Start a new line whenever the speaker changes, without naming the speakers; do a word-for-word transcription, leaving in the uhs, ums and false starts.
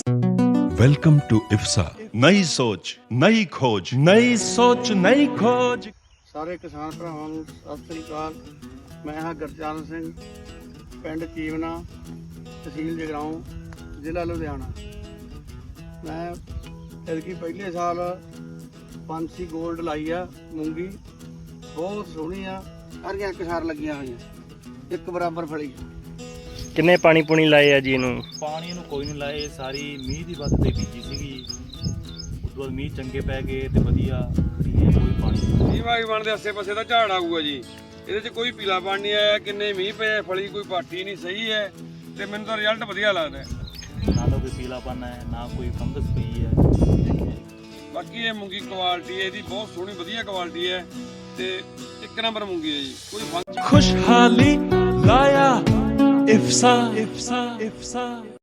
Welcome to इफ्सा। नई सोच, नई खोज, नई सोच, नई खोज।
ਸਾਰੇ ਕਿਸਾਨ ਭਰਾਵਾਂ ਨੂੰ ਸਤਿ ਸ੍ਰੀ ਅਕਾਲ। ਮੈਂ ਹਾਂ ਗੁਰਚਰਨ ਸਿੰਘ, ਪਿੰਡ ਚੀਵਨਾ, ਤਹਿਸੀਲ ਜਗਰਾਉਂ, ਜ਼ਿਲ੍ਹਾ ਲੁਧਿਆਣਾ। ਮੈਂ ਐਤਕੀ ਪਹਿਲੇ ਸਾਲ ਪੰਛੀ ਗੋਲਡ ਲਾਈ ਆ ਮੂੰਗੀ, ਬਹੁਤ ਸੋਹਣੀ ਆ। ਸਾਰੀਆਂ ਕਿਸਾਰ ਲੱਗੀਆਂ ਹੋਈਆਂ, ਇੱਕ ਬਰਾਬਰ ਫਲੀ।
ਕਿੰਨੇ ਪਾਣੀ ਪੂਣੀ ਲਾਏ ਆ ਜੀ ਇਹਨੂੰ?
ਪਾਣੀ ਨੂੰ ਕੋਈ ਨਹੀਂ ਲਾਏ, ਸਾਰੀ ਮੀਂਹ ਦੀ ਵੱਧ ਤੇ ਬੀਜੀ ਸੀਗੀ। ਉਸ ਤੋਂ ਬਾਅਦ ਮੀਂਹ ਚੰਗੇ ਪੈ ਗਏ ਤੇ ਵਧੀਆ ਖੜੀ ਹੈ, ਕੋਈ ਪਾਣੀ
ਮੀਂਹ ਵਾਈ ਬਣਦੇ ਆਸੇ ਪਾਸੇ ਦਾ ਝਾੜ ਆਊਗਾ ਜੀ। ਇਹਦੇ 'ਚ ਕੋਈ ਪੀਲਾ ਪਾਣੀ ਨਹੀਂ ਆਇਆ, ਕਿੰਨੇ ਮੀਂਹ ਪਏ, ਫਲੀ ਕੋਈ ਪਾਠੀ ਨਹੀਂ, ਸਹੀ ਹੈ ਤੇ ਮੈਨੂੰ ਤਾਂ ਰਿਜ਼ਲਟ ਵਧੀਆ ਲੱਗਦਾ।
ਨਾ ਤਾਂ ਕੋਈ ਪੀਲਾਪਨ ਹੈ, ਨਾ ਕੋਈ ਫੰਗਸ ਪਈ ਹੈ।
ਬਾਕੀ ਇਹ ਮੂੰਗੀ ਕੁਆਲਿਟੀ ਹੈ ਇਹਦੀ ਬਹੁਤ ਸੋਹਣੀ ਵਧੀਆ ਕੁਆਲਿਟੀ ਹੈ ਤੇ ਇੱਕ ਨੰਬਰ ਮੂੰਗੀ ਹੈ ਜੀ। ਕੋਈ ਫੰਗ
खुशहाली लाया इफ्सा, इफ्सा, इफ्सा।